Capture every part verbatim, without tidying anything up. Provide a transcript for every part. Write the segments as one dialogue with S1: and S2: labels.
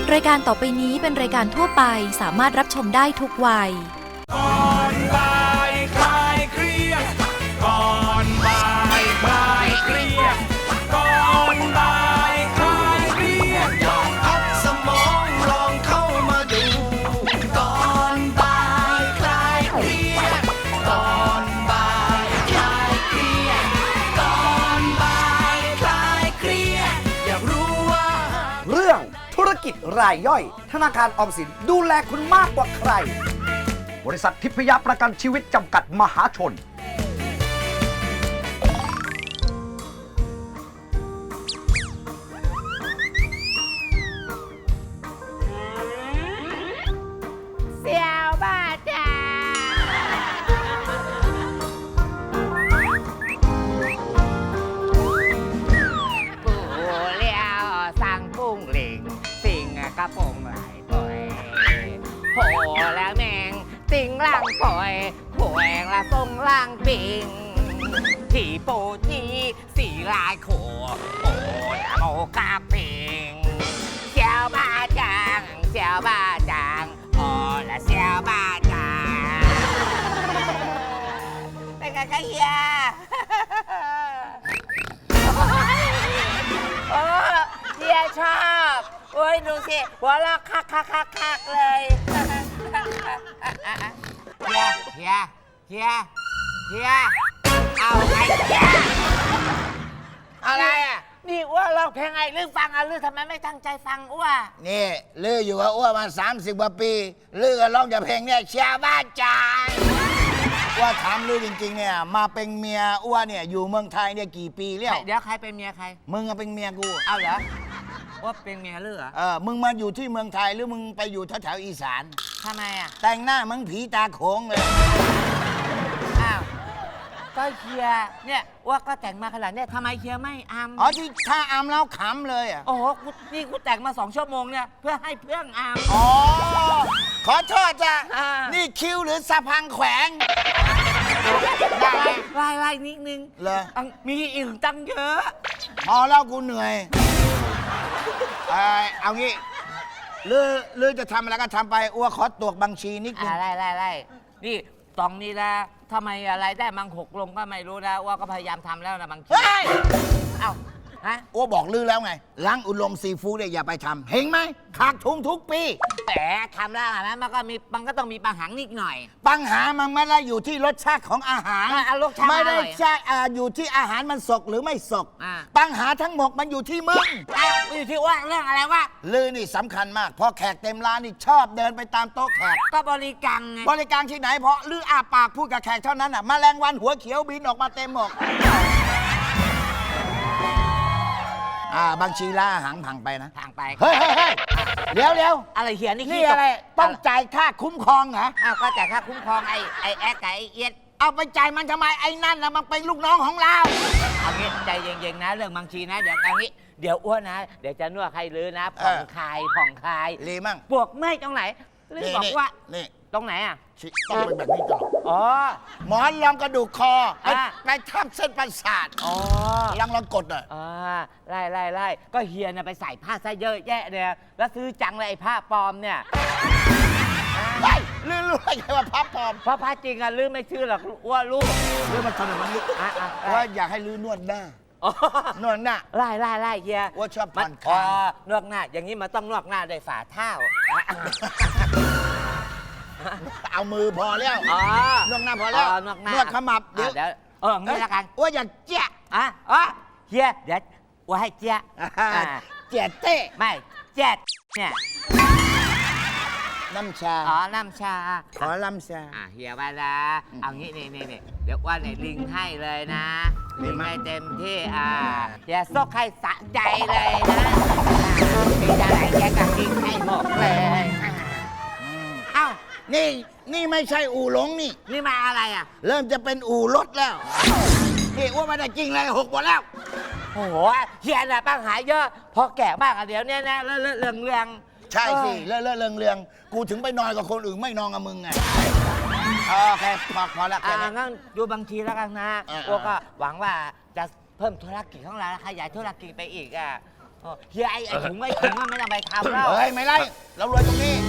S1: รายการต่อไปนี้เป็นรายการทั่วไปสามารถรับชมได้ทุกวัย
S2: ก่อนบ่ายคลายเครียดก่อนบ่ายคลายเครียดก่อนบ่ายคลายเครียดลองพักสมองลองเข้ามาดูก่อนบ่ายคลายเครียดก่อนบ่ายคลายเครียดก่อนบ่ายคลายเครียดอยากรู้ว่า
S3: เรื่องธุรกิจรายย่อยธนาคารออมสินดูแลคุณมากกว่าใครบริษัททิพยประกันชีวิตจำกัดมหาชน
S4: เสี่ยวบ้าจ่าปูเลี้ยวสั่งปุ้งหลิงสิ่งกระโปรงไหลปล่อยโหแล้วแมงติงล่างปล่อยโหแองละทรงล่างปิงที่โปทีสีลายโขโอ้นะโมกาปิงเสี่ยวบ้าจางเสี่ยวบ้าจางโอ้ละเสี่ยวบ้าจางเป็นไงคะเฮียโอ้เฮียชอบโอ้ยดูสิหัวเราะคักคักคักคักเลยเฮียเฮียเฮียเฮียเอาไงเฮียอะไรอ่ะนี่อ้วร้องเพลงไงลือฟังอ่ะลือทำไมไม่ตั้งใจฟังอ้ว
S5: นี่ลืออยู่กับอ้วมาสามสิบกว่าปีลือก็ร้องแต่เพลงเนี่ยเชียร์บ้านจานอ้วถามลือจริงๆเนี่ยมาเป็นเมียอ้วเนี่ยอยู่เมืองไทยเนี่ยกี่ปีแล้ว
S4: เดี๋ยวใครเป็นเมียใคร
S5: มึงก็เป็นเมียกู
S4: เอาเหรอว่าเป็นเมียลือเหรอ
S5: เออมึงมาอยู่ที่เมืองไทยหรือมึงไปอยู่แถวๆอีสาน
S4: ทำไมอ่ะ
S5: แต่งหน้ามึงผีตาโขงเลย
S4: อ้าวก็เฮียเนี่ยว่าก็แต่งมาขนาดนี้ทำไมเฮียไม่อำ
S5: อ๋อที่ถ้าอำแล้วขำเลยอ่ะ
S4: โอ้โหนี่กูแต่งมาสองชั่วโมงเนี่ยเพื่อให้เพื่อนอำ
S5: อ๋อขอโทษจ้ะ
S4: อ่านี่
S5: นี่คิวหรือสะพังแขวง
S4: ได้ไล่ไล่นิดนึง
S5: เลย
S4: มีอีกตั้งเยอะ
S5: พอแล้วกูเหนื่อยเออเอางี้ลือลือจะทำอะไรก็ทำไปอ้วขอตรวจบัญชีนิดนึง
S4: ไล่ไล่ไล่นี่ตองนี้นะทำไมอะไรได้มังหกลงก็ไม่รู้นะว่าก็พยายามทำแล้วนะบางทีเอ้าฮะ
S5: อ้วบอกลือแล้วไงล้างอุดมซีฟู้ดเนี่ยอย่าไปทำเห็นไหมขาดทุนทุกปี
S4: แต่ทำแล้วนะมันก็มีมันก็ต้องมีปัญหานิดหน่อย
S5: ปัญหามันไม่ได้อยู่ที่รสชาติของอาหารไม่ได้ใช่อยู่ที่อาหารมันสกหรือไม่สกปัญหาทั้งหมดมันอยู่ที่มึง
S4: อยู่ที่ว่าเรื่องอะไรวะ
S5: ลือนี่สำคัญมากพอแขกเต็มร้านนี่ชอบเดินไปตามโต๊ะแขก
S4: ก็บริการไง
S5: บริการที่ไหนเพราะลืออาปากพูดกับแขกเท่านั้นอ่ะแมลงวันหัวเขียวบินออกมาเต็มหมดอ่าบางชีล่าหางผังไปนะ
S4: ผังไป
S5: เฮ้ยเฮ้ยเฮ้ยเดี๋ยวเดี๋ยว
S4: อะไรเขียนนี่
S5: นี่อะไรต้องจ่ายค่าคุ้มครองเหรอ
S4: อ้าวก็จ่ายค่าคุ้มครองไอ้ไอ้แอ๊กไอ้เอียด
S5: เอาไปจ่ายมันทำไมไอ้นั่นนะมันเป็นลูกน้องของเรา
S4: เอางี้ใจเย็นๆนะเรื่องบางชีนะเดี๋ยวเอางี้เดี๋ยวอ้วนนะเดี๋ยวจะนวดให้ลือนะผ่อนคลายผ่อนคลาย
S5: รีมั่ง
S4: ปวกเมื่อยตรงไหนลือบอกว่า
S5: นี่
S4: ตรงไหนอ่ะ
S5: ต้องเป็นแบบนี้ตลอด
S4: อ๋อ
S5: หมอนรองกระดูกคอไปทับเส้นประสาท
S4: อ๋อ
S5: ลองลองกดหน่อย
S4: อ่าไล่ไล่ไล่ก็เฮียนะไปใส่ผ้าซะเยอะแยะเนี่ยแล้วซื้อจังเลยไอ้ผ้าปลอมเนี่ย
S5: ไอ้ลือรู้ไงว่าผ้าปลอม
S4: เพราะผ้าจริงอะลือไม่ชื่อหรอกว่าลูก
S5: ลือมันทำแบบนี้ว่าอยากให้ลือนวดหน้านวดหน้า
S4: ไล่ไล่ไล่เฮีย
S5: ว่าชอบผ่อนคลาย
S4: นวดหน้าอย่างนี้มันต้องนวดหน้าด้วยฝ่าเท้า
S5: เอามือพอแล้วนวดหน้าพอแล้วนวดขมับ
S4: เดี๋ยวเอองี้ละกัน
S5: ว่าอย่าเจ๊ะ
S4: อ่ะอ๋อเฮียเดี๋ยวว่าให้เจ๊ะ
S5: เจ๊ะเต้
S4: ไม่เจ๊ะเนี่ย
S5: น้ำชา
S4: อ๋อน้ำชา
S5: ขอน้ำชา
S4: อ่ะเฮียมาละเอางี้นี่นี่นี่เดี๋ยวว่าในลิงให้เลยนะลิงให้เต็มที่อ่าเฮียซกให้สะใจเลยนะมีอะไรเฮียกับลิงให้หมดเลยเอ้า
S5: นี่นี่ไม่ใช่อู่หลงนี่
S4: นี่มาอะไรอ่ะ
S5: เริ่มจะเป็นอู่รถแล้วนี่อ้วนไม่ได้จริงเลยหกหมดแล้ว
S4: โอ้โหเฮียน่ะปัญหาเยอะพอแก่มากอ่ะเดี๋ยวนี้นะเรื่องเรื่องเรื่อง
S5: ใช่สิเรื่องเรื่องเรื่องเรื่องกูถึงไปนอนกับคนอื่นไม่นอนกับมึงไงโอเคพอพอแล้ว
S4: อ่างั้นดูบางทีแล้วกันนะอ้วนก็หวังว่าจะเพิ่มธุรกิจของเราขยายธุรกิจไปอีกอ่ะเฮียไอ้ไอ้ถุงไอ้ถุงมันไม่ต้องไปทำแล้ว
S5: เฮ้ย ไม่ไล่เรารวยตรงนี้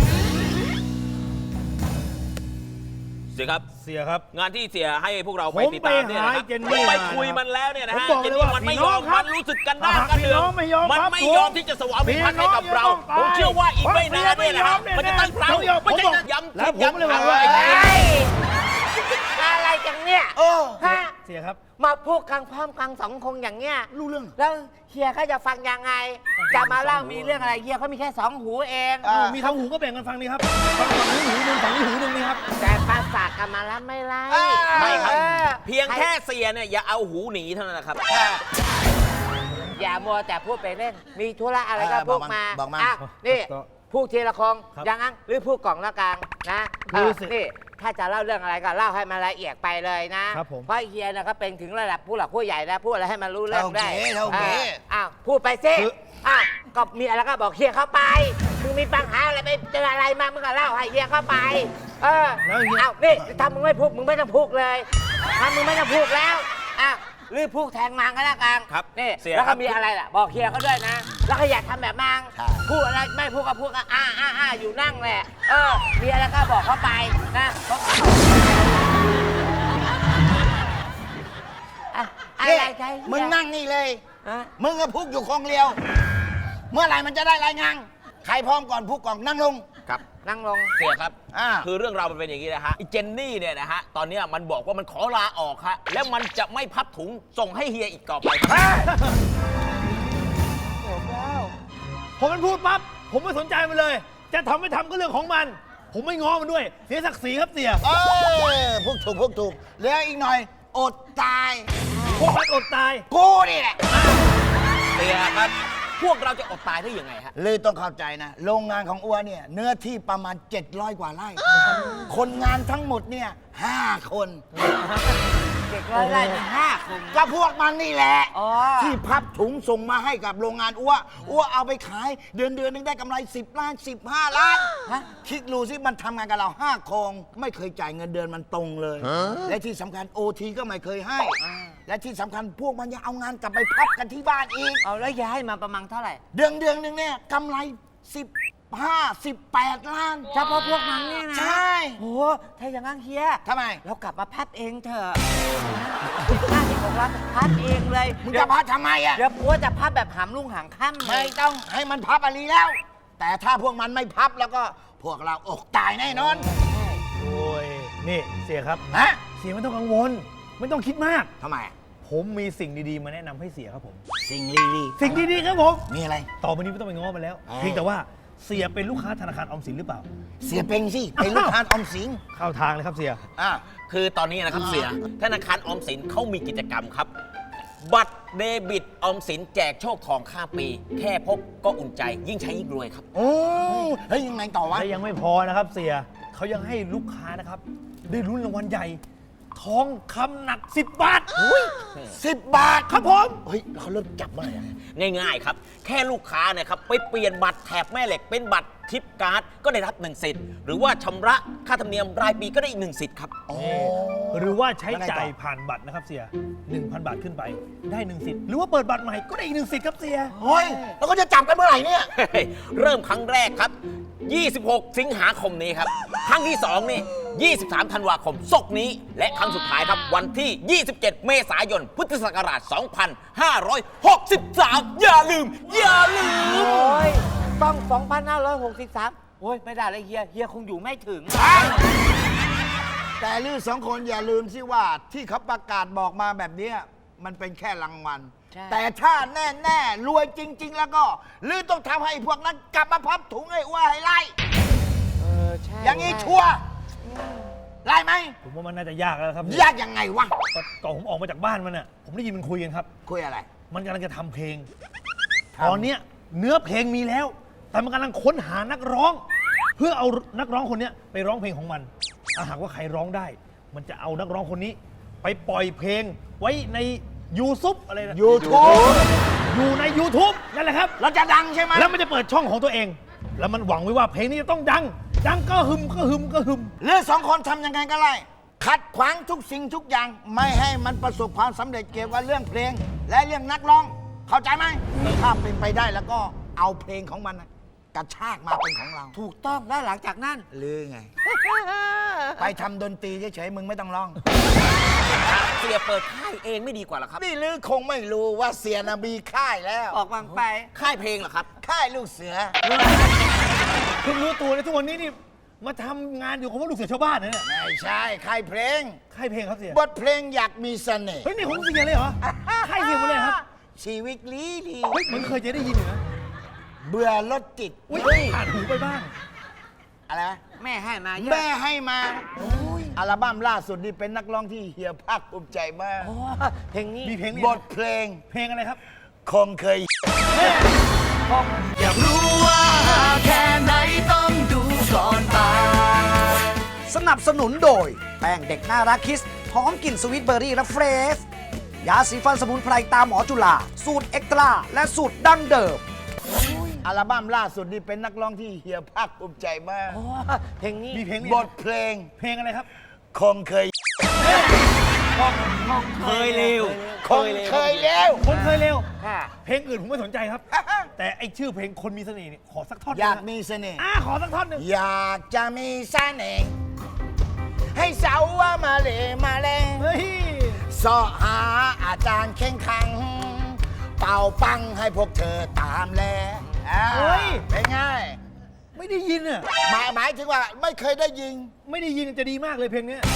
S6: เสียครับ
S7: เสียครับ
S6: งานที่เสียให้พวกเราไป
S7: ผม
S6: ติดตามเนี่ยนะค
S7: ไปหา
S6: รับ
S7: เจนนี่
S6: ผมไป
S7: มา
S6: คุยมันแล้วเนี่ยนะ
S7: ผม
S6: ฮะ
S7: บอก
S6: เจน
S7: เลย
S6: นี่
S7: ว่า
S6: มันไม่
S7: พี่
S6: ย
S7: น้
S6: อ
S7: อง
S6: ม
S7: ครั
S6: มั
S7: บ
S6: นรู้สึกกันด้าน
S7: หาก
S6: กัน
S7: พี่
S6: เดื
S7: น้
S6: อ
S7: องไม่ยอม
S6: มัน
S7: ครับ
S6: ไม่
S7: ผม
S6: ยอมที่จะสวามิภักดิ์ให้กับเรา
S7: พี่น้อง
S6: ผมเชื่อว่าอีกไม่นานเนี่ยนะฮะ
S7: ผม
S6: มันจะตั้งเรา
S7: ผมยอม
S6: ไม่ใช่
S7: ผมบอก
S6: ย้ำ
S7: แล้ว
S6: คิด
S7: ผมเลย
S6: ย้ำ
S7: บอกว่า
S6: ทำ
S4: เฮ้ยอะไรจังเนี่ย
S5: เออ
S4: ฮะ
S7: เสียครับ
S4: มาพูดกลางพร้อมกลางสองคงอย่างเงี้ย
S5: รู้เรื่อง
S4: แล้วเฮียเขาจะฟังยังไง จะมาเล่ามีเรื่องอะไรเฮียเขามีแค่สองหูเอง
S5: อ่า
S7: มีทั้งหูก็แบ่งกันฟังนี่ครับฟังฝั่งนี้หูหนึ่งฝั่งนี้หูหนึ่งนี่ครับ
S4: แต่ภาษากันมาแล้วไม่ไล่
S6: ไม่ครับ
S4: ออ
S6: เพียงแค่เสียเนี่ยอย่าเอาหูหนีเท่านั้นนะครับ
S4: อย่ามัวแต่พูดไปเล่น มีธุระอะไรก็
S5: เออ
S4: พูดมา
S5: บอกมา
S4: อ่ะนี่
S7: ก็
S4: พูดทีละคง
S7: ครับ
S4: อย่างนั้นหรือพูดกล่องละกลางนะ
S7: คือ
S4: เออ
S7: สิ
S4: นี่ถ้าจะเล่าเรื่องอะไรก็เล่าให้มันละเอียดไปเลยนะครับ
S7: ผม
S4: เพราะเฮียนะก็เป็นถึงระดับผู้หลักผู้ใหญ่แล้วพูดอะไรให้มันรู้เรื่องได้
S5: เท่าเก๋เท่าเก๋
S4: อออ้าวพูดไปสิ
S7: คือ
S4: อ้าวก็มีอะไรก็บอกเฮียเข้าไปมึงมีปัญหาอะไรไปเจออะไรมามึงก็เล่าให้เฮียเข้าไป เออ
S7: แล้วเฮีย
S4: อ้าวนี่ถ้ามึงไม่พูดมึงไม่ต้องพูดเลยถ้ามึงไม่ต้องพูดแล้วอ้าวหรือพูดแทงมังก็แล้วกัน
S6: ครับ
S4: นี่
S6: เสีย
S4: แล้ว
S6: ครั
S4: ก็
S6: บ
S4: มีอะไรล่ะบอกเฮียเขาด้วยนะ แล้วก็อยากทำแบบมัง
S5: ใช่
S4: พูดอะไรไม่พูดก็พูดก็อ้าอ้าอ้าอยู่นั่งแหละเออมีอะไรก็บอกเขาไปนะอะอะไร
S5: นี่
S4: ใช่
S5: มึงนั่งนี่เลย
S4: ฮะ
S5: มึงก็พุกอยู่คงเดียว เมื่อไหร่มันจะได้รายงาน ใครพร้อมก่อนพุกก่อนนั่งลง
S6: ครับ
S4: นั่งลง
S6: เสียครับ
S5: อ่า
S6: คือเรื่องราวมันเป็นอย่างนี้นะฮะไอ้เจนนี่เนี่ยนะฮะ ตอนเนี้ยมันบอกว่ามันขอลาออกฮะ แล้วมันจะไม่พับถุงส่งให้เฮียอีกต่อไปครับ
S7: พอมันพูดปั๊บผมไม่สนใจมันเลย จะทำไม่ทำก็เรื่องของมัน ผมไม่ง้อมันด้วย เสียศักดิ์ศรีครับเสีย
S5: เออพุกถูกพุกถูกแล้วอีกหน่อย อดตาย
S7: พวกมันอดตาย
S5: กูนี่แหละ
S6: เสียครับ พวกเราจะอดตายได้ยังไงฮะ
S5: เลยต้องเข้าใจนะ โรงงานของอ้วนเนี่ย เนื้อที่ประมาณ เจ็ดร้อย กว่าไร่ คนงานทั้งหมดเนี่ยห้าคน
S4: เด็กร้อยไร่มีห้าคน
S5: ก็พวกมันนี่แหละ
S4: อ๋อ
S5: ที่พับถุงส่งมาให้กับโรงงานอ้วอ้วเอาไปขาย เดือนเดือนหนึงได้กำไร สิบ ล้าน สิบห้า ล้าน
S4: ฮะ
S5: คิดดูสิมันทำงานกับเราห้าโคงไม่เคยจ่ายเงินเดือนมันตรงเลย และที่สำคัญโอทีก็ไม่เคยให้ และที่สำคัญพวกมันยังเอางานกลับไปพับกันที่บ้านอีก
S4: เอาแล้วย้ายมาประมาณเท่าไหร่
S5: เดือนเดือนหนึ่งเนี่ยกำไร สิบห้า สิบแปด ล้าน
S4: เฉพาะพวกมันเนี่ยนะ
S5: ใช่
S4: โอ้ถ้าอย่างนั้นเฮีย
S5: ทำไม
S4: เรากลับมาพับเองเถอะห้าสิบหกล้านพับเองเลย
S5: มึงจะพับทำไมอ่ะ
S4: เดี๋ยวปัวจะพับแบบหามลุ่งหางค่ำเล
S5: ไม่
S4: ย
S5: ต้องให้มันพับอะไรแล้ว แต่ถ้าพวกมันไม่พับแล้วก็พวกเราอกตายแน่นอน
S7: โอ้ย นี่เสียครับ
S5: ฮะ
S7: เสียไม่ต้องกังวล ไม่ต้องคิดมาก
S5: ทำไม
S7: ผมมีสิ่งดีๆ มาแนะนำให้เสียครับผม
S5: สิ่งลีลี
S7: สิ่งดีๆครับผม
S5: มีอะไร
S7: ต่อไปนี้ไม่ต้องไปง้อมันแล้ว
S5: อ๋อ
S7: เพียงแต่ว่าเสียเป็นลูกค้าธนาคารออมสินหรือเปล่า
S5: เสียเป็งสิเป็นลูกค้าออมสิน
S7: เข้าทางเลยครับเสีย
S5: อ่ะ
S6: คือตอนนี้นะครับเสีย ธนาคารออมสินเขามีกิจกรรมครับ บัตรเดบิตออมสินแจกโชคทองข้ามปี แค่พกก็อุ่นใจ ยิ่งใช้ยิ่งรวยครับ
S5: โอ้เฮ้ยยังไงต่อวะ
S7: และยังไม่พอนะครับเสียเขายังให้ลูกค้านะครับ ได้ลุ้นรางวัลใหญ่ ทองคำหนัก สิบบาท
S5: สิบบาท
S7: ครับผม
S5: เฮ้ยแล้วเขาเริ่มจับเมื่อไหร่อะ
S6: ง่ายๆครับ แค่ลูกค้าเนี่ยครับไปเปลี่ยนบัตรแถบแม่เหล็กเป็นบัตรทิปการ์ดก็ได้รับหนึ่งสิทธิ์ หรือว่าชำระค่าธรรมเนียมรายปีก็ได้อีกหนึ่งสิทธิ์ครับ
S5: โอ้
S7: หรือว่าใช้
S5: แล้วไงต่อ
S7: จ่ายผ่านบัตรนะครับเสีย หนึ่งพัน บาทขึ้นไปได้หนึ่งสิทธิ์หรือว่าเปิดบัตรใหม่ก็ได้อีกหนึ่งสิทธิ์ครับเสีย
S5: เฮ้ยแล้วก็จะจับกันเมื่อไหร่เนี่ย
S6: เริ่มครั้งแรกครับ ยี่สิบหก สิงหาคมนี้ครับ ครั้งที่สองนี่ ยี่สิบสาม ธันวาคมศกนี้ และครั้งสุดท้ายครับ วันที่ ยี่สิบเจ็ด เมษายน พุทธศักราช สองพันห้าร้อยหกสิบสาม อย่าลืม อย่าลืม
S4: โอ้ยต้องสองพันห้าร้อยหกสิบสามโอ้ยไม่ได้เลยเฮียเฮียคงอยู่ไม่ถึง
S5: แต่ลือสองคนอย่าลืมสิว่าที่เขาประกาศบอกมาแบบเนี้ยมันเป็นแค่รางวัล
S4: ใช่
S5: แต่ถ้าแน่แน่ๆรวยจริง ๆ แล้วก็ลือต้องทำให้พวกนั้นกลับมาพับถุงให้อ้ว่าให้ไล่
S4: เออใช่
S5: อย่างนี้ชัวร์ไล่ไหม
S7: ผมว่ามันน่าจะยากแล้วครับ
S5: ยากยังไงวะ
S7: ก็ก่อนผมออกมาจากบ้านมันน่ะผมได้ยินมันคุยกันครับ
S5: คุยอะไร
S7: มันกำลังจะทำเพลง
S5: ทำ
S7: ตอนเนี้ยเนื้อเพลงมีแล้ว แต่มันกำลังค้นหานักร้อง เพื่อเอานักร้องคนเนี้ยไปร้องเพลงของมันถ้าหากว่าใครร้องได้ มันจะเอานักร้องคนนี้ ไปปล่อยเพลงไว้ในยูทูบอะไรนะ
S5: YouTube
S7: อยู่ใน YouTube นั่นแหละครับ
S5: เราจะดังใช่ไหม
S7: แล้วมันจะเปิดช่องของตัวเอง แล้วมันหวังไว้ว่าเพลงนี้จะต้องดัง ดังก็หึมก็หึมก็หึม
S5: เรื่องสองคนทำยังไงก็ไล่ขัดขวางทุกสิ่งทุกอย่าง ไม่ให้มันประสบความสำเร็จเกี่ยวกับเรื่องเพลง และเรื่องนักร้องเข้าใจไหมถ้าเป็นไปได้แล้วก็เอาเพลงของมันน่ะกระชากมาเป็นของเรา
S4: ถูกต้องแล้วหลังจากนั้น
S5: หรือไง ไปทำดนตรีเฉยๆมึงไม่ต้องร้อง
S6: เสียเปิดค่ายเองไม่ดีกว่าเหรอครับ
S5: นี่ลือคงไม่รู้ว่าเสียนามีค่ายแล้ว
S4: ออกวังไป
S6: ค่ายเพลงเหรอครับ
S5: ค่ายลูกเสือ
S7: เพิ่งรู้ตัวในทุกวันนี้นี่มาทำงานอยู่กับพวกลูกเสือชาวบ้านนะเนี่ย
S5: ไม่ใช่ค่ายเพลง
S7: ค่ายเพลงครับเสีย
S5: บทเพลงอยากมีเสน่ห์
S7: เฮ้ยนี่ของเสียเลยเหรอค่ายเสียหมดเลยครับ
S5: ชีวิตลีลี
S7: เฮ้ยเหมือนเคยจะได้ยินอยู่นะ
S5: เบื่อรถติด
S7: อุ้ยผ่านหูไปบ้าง
S5: อะไรนะ
S4: แม่ให้มาเยอะ
S5: แม่ให้มาอัลบั้มล่าสุดนี่เป็นนักร้องที่เฮียภาคภูมิใจมาก
S4: โอ้เพลงนี้
S7: มีเพลงนี้
S5: บทเพลง
S7: เพลงอะไรครับ
S5: คงเคย
S2: อยากรู้ว่าแค่ไหนต้องดูก่อนตาย
S3: สนับสนุนโดย แป้งเด็กน่ารักคิสหอมกลิ่นสวิตเบอร์รี่และเฟรชยาสีฟันสมุนไพรตามหมอจุฬาสูตรเอ็กตร้าและสูตรดั้งเดิม
S5: อัลบั้มล่าสุดนี่เป็นนักร้องที่เฮียภาคภูมิใจมาก
S4: โอ้เพลงนี้
S7: มีเพลงนี้
S5: บทเพลง
S7: เพลงอะไรครับ
S5: คงเคย
S6: เคยเร็ว
S5: คงเคยแล้ว
S7: คนเคยเร็ว
S4: ค่ะ
S7: เพลงอื่นผมไม่สนใจครับ แต่ไอชื่อเพลงคนมีเสน่ห์เนี่ยขอสักท่อนห
S5: อ
S7: นึ่ง
S5: ยาก
S7: นะ
S5: มีเสน่ห์
S7: อ่าขอสักท่อนหนึ่ง
S5: อยากจะมีเสน่ห์ให้สาวว่ามาเลมาเล
S7: เฮ้ย
S5: สอหาอาจารย์เข่งขัง เป่าปังให้พวกเธอตามแลอ่า
S7: เฮ้ย
S5: เป็นไง
S7: ไม่ได้ยินอ่ะ
S5: หมายหมายถึงว่าไม่เคยได้ยิง
S7: ไม่ได้ยินจะดีมากเลยเพลงเนี้ย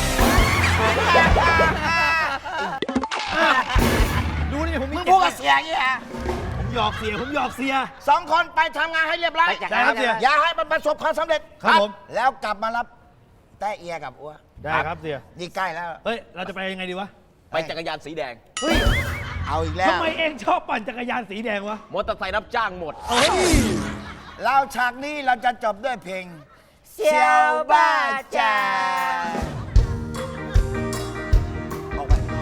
S7: ดูนี่ผมมี
S5: มึง
S7: เก็บ
S5: พูด
S7: ไว้
S5: กับเสียอย่างนี้ฮะ
S7: ผมหยอกเสียผมหยอกเสีย
S5: สองคนไปทำงานให้เรียบร้อย
S4: ไปจัด
S7: ได้ครับเสีย
S5: อย่าให้มันประสบความสำเร็จ
S7: ครับผม
S5: แล้วกลับมารับแต้เอียกับอัว
S7: ได้ครับเสีย
S5: นี่ใกล้แล้ว
S7: เฮ้ย เราจะไปยังไงดีวะ
S6: ไปจักรยานสีแดง
S7: เฮ้ย
S5: เอาอีกแล้ว
S7: ทำไมเองชอบปั่นจักรยานสีแดงวะ
S6: มอเตอร์ไซค์รับจ้างหมด
S7: เฮ้ย
S5: เราฉากนี้เราจะจบด้วยเพลง
S4: เซียวบ้าจ่า
S5: ออกไปข้างนอก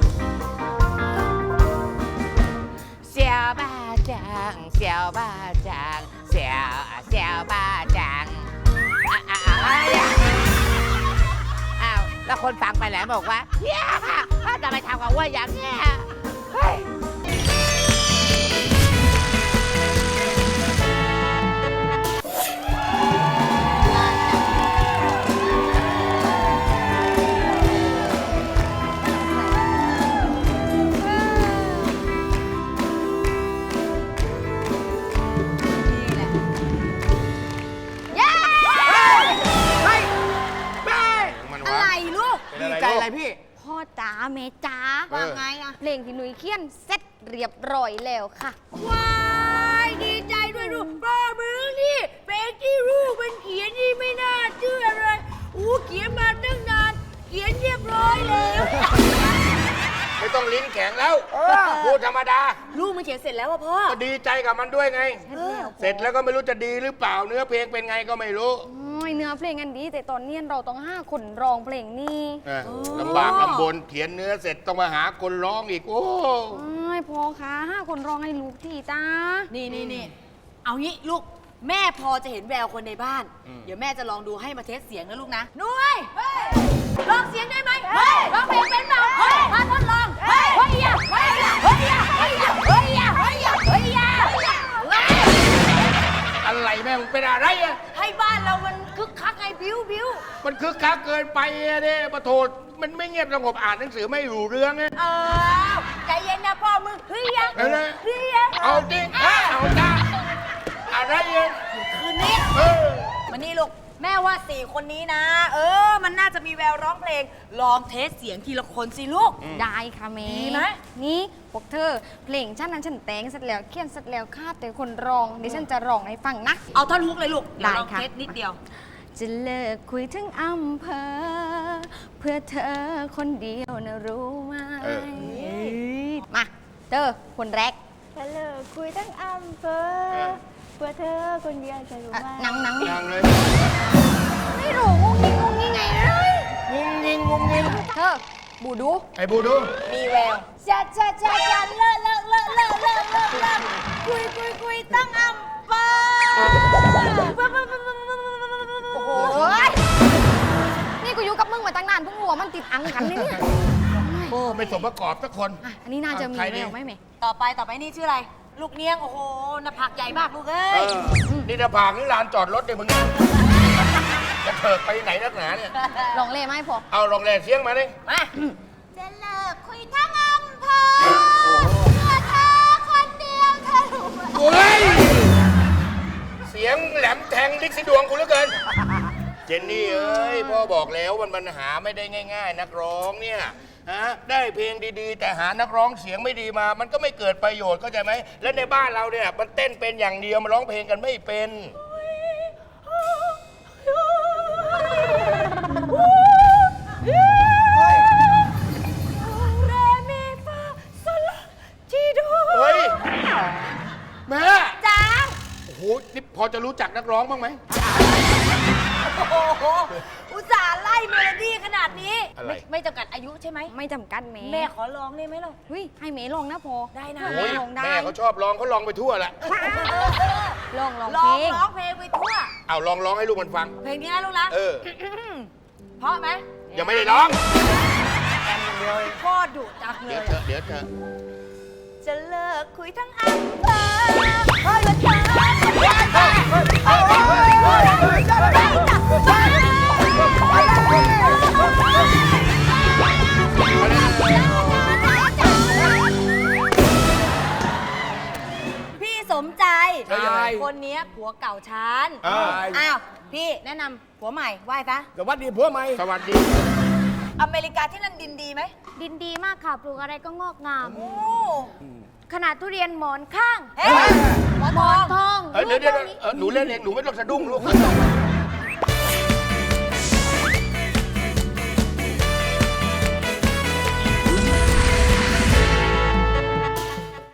S4: เซียวบ้าจางเซียวบ้าจางเซียวเซียวบ้าจางอ่ะอ่ะอ่ะอ่ะอ้าวแล้วคนฟังไปแล้วบอกว่าเฮียถ้าจะไปทำกับว่าอย่างเนี้ยเฮ้ย
S8: อะไรลูก
S6: ดีใจอะไรพี่
S8: พ่อจ๋าเมจ๋าว่าไงอะเพลงที่หนุ่ยเขียนเสร็จเรียบร้อยแล้วค่ะ ว้ายดีใจด้วยลูกป้ามึงนี่เพลงที่ลูกมันเขียนนี่ไม่น่าเชื่อเลยอู้เขียนมาตั้งนาน เขียนเรียบร้อยแล้ว
S9: ไม่ต้องลิ้นแข็งแล้วพูดธรรมดา
S8: ลูกมันเขียนเสร็จแล้วอะพ่อ
S9: ก็ดีใจกับมันด้วยไง เสร็จแล้วก็ไม่รู้จะดีหรือเปล่า เนื้อเพลงเป็นไงก็ไม่รู้
S8: โอ้ยเนื้อเพลงกันดี แต่ตอนเนี้ยเราต้องห้าคนร้องเพลงนี้
S9: เออลำบากลำบนเขียนเนื้อเสร็จต้องมาหาคนร้องอีก โอ้
S8: โอ้ยพ่อคะห้าคนร้องให้ลูกทีจ้า
S10: นี่นี่นี่เอางี้ลูกแม่พอจะเห็นแววคนในบ้าน เดี๋ยวแม่จะลองดูให้มาเทสเสียงนะลูกนะนุ้ยลองเสียงได้ไหมลองเพลงเป็นเปล่ามาทดลองเฮ้ยเฮ้ยอะเฮ้ยอะเฮ้ยอะเฮ้ยอะเฮ้ยอะเฮ้ยอะเฮ้ยอะ
S9: อะไรแม่งเป็นอะไรอะ
S10: ให้บ้านเรามันคึกคักไงบิ้วบิ้ว
S9: มันคึกคักเกินไปอะเนี่ยปะโถมันไม่เงียบสงบอ่านหนังสือไม่รู้เรื่องไง
S10: เออใจเย็นนะพ่อมึงเฮ้ยอะ
S9: เอาเลย
S10: เฮ้ยอะ
S9: เอาจริงอ่ะเอาจ้าอะไรอะ
S10: คืนนี้
S9: เออ
S10: มานี่ลูกแม่ว่าสี่คนนี้นะ เออ มันน่าจะมีแววร้องเพลง ลองเทสเสียงทีละคนสิลูก
S8: ได้ค่ะเม
S10: ดีไหม
S8: นี่พวกเธอเพลงฉันนั้นฉันแต่งเสร็จแล้วเขียนเสร็จแล้วคาดแต่คนร้องเดี๋ยวฉันจะร้องให้ฟังนะ
S10: เอาท่อนฮุกเลยลูกเดี๋ยวลอง
S8: ได้ค่ะ
S10: เทสนิดเดียว
S8: จะเลิกคุยทั้งอำเภอ เพื่อเธอคนเดียวนะรู้ไหม
S9: เออ
S8: มาเธอคนแรก
S11: จะเลิกคุยทั้งอำเภอ เพื่อเธอคนเดียวจะรู้
S8: อ่ะ
S11: ไหม
S8: หนังหนัง
S9: ยังเลย
S8: ไม่รู้งงงิงงงงิงไงเลย
S9: งุ้งยิงงุ้งยิง
S8: เธอบูดู
S9: ไอ้บูดู
S10: มีแวว
S11: จะจะจะจะเลิกเลิกเลิกเลิกเลิกเลิกเลิกคุยคุยคุยตั้งอำเภอ
S8: โอ้โหนี่กูอยู่กับมึงมาตั้งนานเพิ่งรู้ว่ามันติดอังกันเลยเนี่ย
S9: โอ้ไม่สมประกอบสักคน
S8: อ่ะอันนี้น่าจะมี
S9: ใคร
S8: แว
S9: ดี
S8: วไหมแม่
S10: ต่อไปต่อไปนี่ชื่ออะไร ลูกเนียง โอ้โหหน้าผากใหญ่มากลูกเอ้
S9: เอย อนี่จะผากนี่ลานจอดรถเนี่ยมึงจะเถิกไปไหนนักหนาเนี่ย
S8: ลองเล่ไหมพอ
S9: เอาลองแรงเสียงมาดิ
S10: มา
S11: จะเลิกคุยทั้งอำเภอเพื่อเธอคนเดียวเธอรู้ไหม
S9: โอ้ยเสียงแหลมแทงลิกสิดวงกูเหลือเกิน เจนนี่เอ้ยพ่อบอกแล้วมันมันหาไม่ได้ง่าย ๆ นักร้องเนี่ยฮะได้เพลงดีๆ แต่หานักร้องเสียงไม่ดีมา มันก็ไม่เกิดประโยชน์เข้าใจไหมและในบ้านเราเนี่ยมันเต้นเป็นอย่างเดียวมันร้องเพลงกันไม่เป็น
S10: เรมีฟาโซลาทีโด
S9: เฮ้ยแม่
S10: จ้า
S9: โอ้โหนี่พอจะรู้จักนักร้องบ้างไหม
S10: โอ้โหอุตส่าห์ไล่เมโลดี้ขนาดนี้
S9: อะไร
S10: ไม่ไม่จำกัดอายุใช่ไหม
S8: ไม่จำกัดเม
S10: แม่ขอร้องได้ไหมล่ะ
S8: เฮ้ยให้เมลองนะพอ
S10: ได้นะ
S9: โอ้ย
S8: ลองได้
S9: แม่เขาชอบร้องเขาร้องไปทั่วแหละ
S8: ลองลอง
S10: ร้
S8: เพ
S10: อ
S8: ล
S10: ง
S8: ง
S10: ร้องเพลงไปทั่ว
S9: เอาลองร้องให้ลูกมันฟัง
S10: เพลงนี้นะลูกนะ
S9: เออ
S10: เพราะไหม
S9: ยังไม่ได้ร้อง
S10: พ่อดุจังเล
S9: เดี๋ยวย เถอะเดี๋ยวเถอะ
S10: จะเลิกคุยทั้งอำเภอเพื่อเธอคนเดียวพี่สมใจ
S9: แล้วยังไง
S10: คนเนี้ยผัวเก่าฉัน
S9: อ่า
S10: อ้าว พี่แนะนำผัวใหม่ไหว้ซะ
S9: สวัสดีพ่อใหม่สวัสดี
S10: อเมริกาที่นั่นดินดีไหม
S8: ดินดีมากค่ะ ปลูกอะไรก็งอกงาม
S10: โอ้
S8: ขนาดทุเรียนหมอนข้าง
S10: เฮ้ยหมอ
S8: หม
S10: ท
S8: อ
S10: อน ง
S8: ทอง
S9: เอ้ยเดี๋ยวเดี๋ยว
S8: ลูก
S9: เออหนูเล่นเองหนูไม่ต้องสะดุ้งลูก